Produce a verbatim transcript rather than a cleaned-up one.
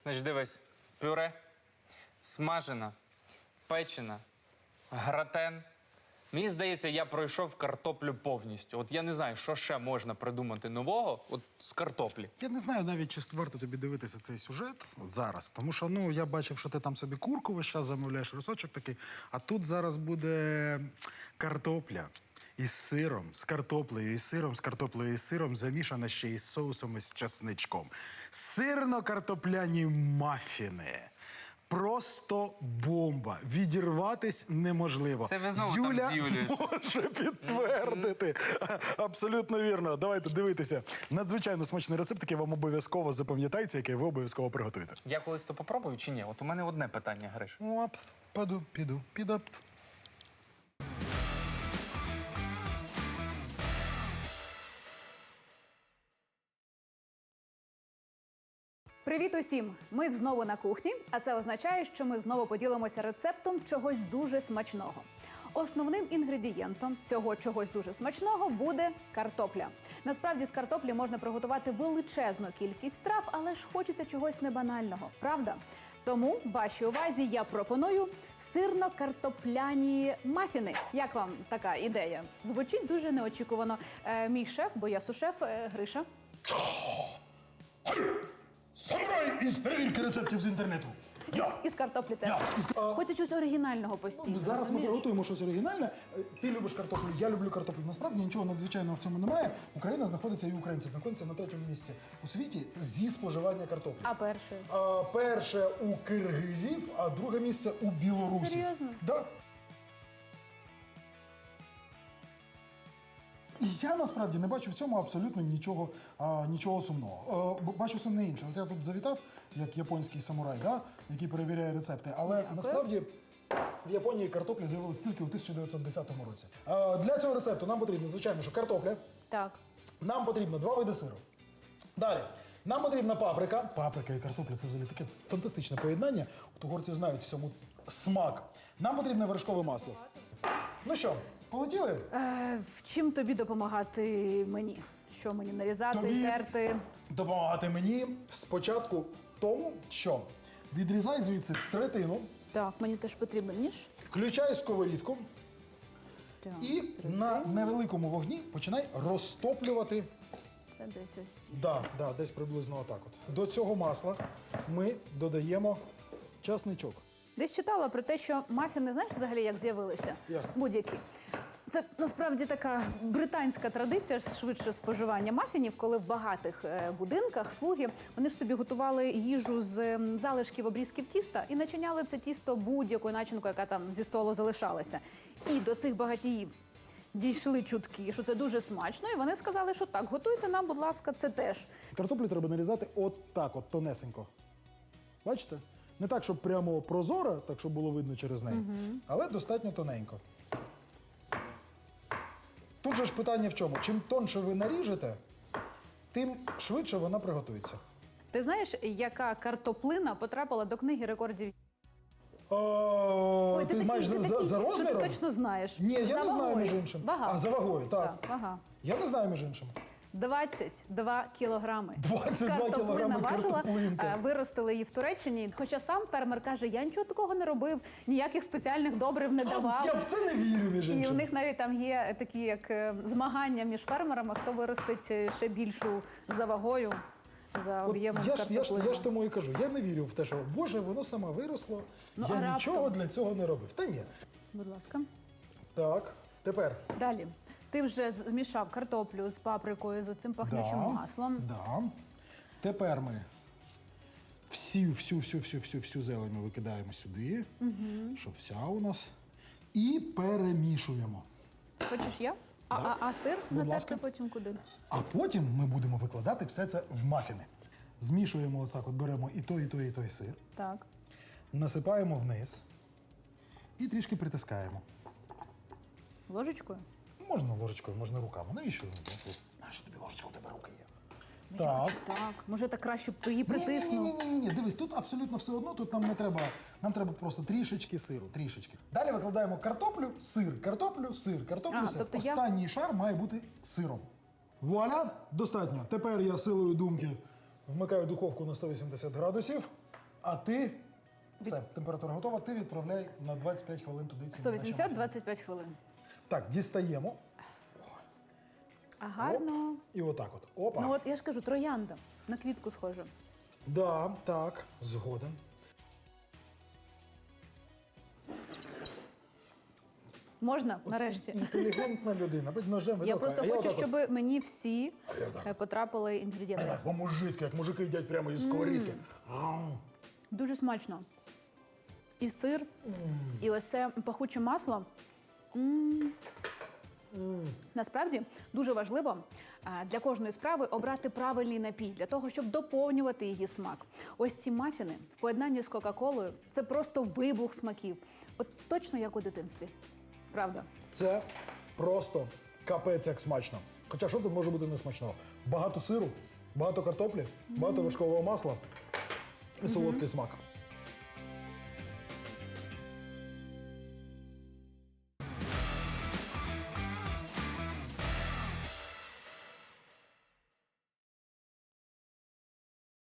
Значить, дивись, пюре, смажена, печена, гратен. Мені здається, я пройшов картоплю повністю. От я не знаю, що ще можна придумати нового от з картоплі. Я не знаю навіть, чи варто тобі дивитися цей сюжет от зараз. Тому що, ну, я бачив, що ти там собі курку весь час замовляєш, рисочок такий. А тут зараз буде картопля із сиром, з картоплею, із сиром, з картоплею, із сиром, замішана ще із соусом із часничком. Сирно-картопляні мафіни. Просто бомба. Відірватись неможливо. Це ви знову Юля там з Юлією. може підтвердити. Абсолютно вірно. Давайте дивитися. Надзвичайно смачний рецепт, який вам обов'язково запам'ятається, який ви обов'язково приготуєте. Я колись то попробую чи ні? От у мене одне питання, Гриш. Опс, піду, піду, підопс. Привіт усім! Ми знову на кухні, а це означає, що ми знову поділимося рецептом чогось дуже смачного. Основним інгредієнтом цього чогось дуже смачного буде картопля. Насправді з картоплі можна приготувати величезну кількість страв, але ж хочеться чогось небанального, правда? Тому вашій увазі я пропоную сирно-картопляні мафіни. Як вам така ідея? Звучить дуже неочікувано. Е, мій шеф, бо я сушеф, е, Гриша. Самурай із перевірки рецептів з інтернету. Я. Із картоплі теж. Я. Із ка- Хочу щось оригінального постійно. Зараз ми розумієш? приготуємо щось оригінальне. Е, Ти любиш картоплю, я люблю картоплю. Насправді нічого надзвичайного в цьому немає. Україна знаходиться і українці знаходяться на третьому місці у світі зі споживання картоплі. А перше? А, перше у киргизів, а друге місце у білорусів. Серйозно? Да. І я насправді не бачу в цьому абсолютно нічого, а, нічого сумного. Е, б- бачу сумне інше. От я тут завітав, як японський самурай, да, який перевіряє рецепти. Але Дякую. насправді в Японії картопля з'явилась тільки у тисяча дев'ятсот десятому році. Е, для цього рецепту нам потрібно, звичайно, що картопля. Так. Нам потрібно два види сиру. Далі. Нам потрібна паприка. Паприка і картопля – це взагалі таке фантастичне поєднання. От угорці знають в цьому смак. Нам потрібне вершкове масло. Ну що, полетіли? Е, в чим тобі допомагати мені? Що мені нарізати, Тобі терти? допомагати мені спочатку в тому, що відрізай звідси третину, Так, мені теж потрібен ніж. включай сковорідку Так, і на невеликому вогні починай розтоплювати. це десь ось ці. Да, да, десь приблизно отак от. До цього масла ми додаємо часничок. Десь читала про те, що мафіни, знаєш взагалі, як з'явилися? Як? Будь-які. Це насправді така британська традиція швидше споживання мафінів, коли в багатих е, будинках слуги вони ж собі готували їжу з ем, залишків обрізків тіста і начиняли це тісто будь-якою начинкою, яка там зі столу залишалася. І до цих багатіїв дійшли чутки, що це дуже смачно, і вони сказали, що так, готуйте нам, будь ласка, це теж. Картоплю треба нарізати от так, от тонесенько. Бачите? Не так, щоб прямо прозоро, так, щоб було видно через неї, але достатньо тоненько. Тут же ж питання в чому? Чим тонше ви наріжете, тим швидше вона приготується. Ти знаєш, яка картоплина потрапила до книги рекордів? О, Ой, ти, такий- маєш за, такий, за що розміром? Ти точно знаєш. Ні, я За не знаю вагою. між іншим. Вага. А, за вагою, так. Так, вага. Я не знаю між іншим. двадцять два кілограми. двадцять два Картоплина кілограми важила, картоплинка. е, виростили її в Туреччині. Хоча сам фермер каже, я нічого такого не робив, ніяких спеціальних добрив не давав. Я в це не вірю, між І іншим. у них навіть там є такі як е, змагання між фермерами, хто виростить е, ще більшу за вагою, за От об'ємом я, ж, я, ж, картоплини. я ж тому і кажу, я не вірю в те, що Боже, воно саме виросло, Ну, я а нічого раптом? для цього не робив. Та ні. Будь ласка. Так, тепер. Далі. Ти вже змішав картоплю з паприкою, з цим пахнючим Да, маслом. Да. Тепер ми всю, всю, всю, всю, всю, всю зелень ми викидаємо сюди, щоб вся у нас. І перемішуємо. Хочеш я? А, Да. а, а сир Будь натерти ласка. потім куди? А потім ми будемо викладати все це в мафіни. Змішуємо отак, от беремо і той, і той, і той сир, Так. насипаємо вниз і трішки притискаємо. Ложечкою? Можна ложечкою, можна руками. Навіщо? Нащо тобі ложечка, у тебе руки є? Я хочу так. Може, так краще б її притисну. Ні, ні, ні, ні, дивись, тут абсолютно все одно, тут нам не треба, нам треба просто трішечки сиру, трішечки. Далі викладаємо картоплю, сир, картоплю, сир, картоплю, А, сир. тобто я- Останній шар має бути сиром. Вуаля, достатньо. Тепер я силою думки вмикаю духовку на сто вісімдесят градусів. А ти, все, температура готова, ти відправляй на двадцять п'ять хвилин туди. ці сто наші вісімдесят мафіни. двадцять п'ять хвилин. Так, дістаємо. А гарно. Оп, і отак от. Опа. Ну от я ж кажу, троянда. На квітку схоже. Да, так, згоден. Можна нарешті. Інтелігентна людина, будь ножем. Я виделкою. просто А хочу, отак от. щоб мені всі А я отак. е, потрапили інгредієнти. По-мужицьки, як мужики їдять прямо із сковорідки. Ау. Дуже смачно. І сир, і ось це пахуче масло. М. Насправді дуже важливо а, для кожної справи обрати правильний напій для того, щоб доповнювати її смак. Ось ці мафіни в поєднанні з Кока-Колою – це просто вибух смаків. От точно як у дитинстві. Правда? Це просто капець як смачно. Хоча що тут може бути несмачного? Багато сиру, багато картоплі, багато вершкового масла і солодкий смак.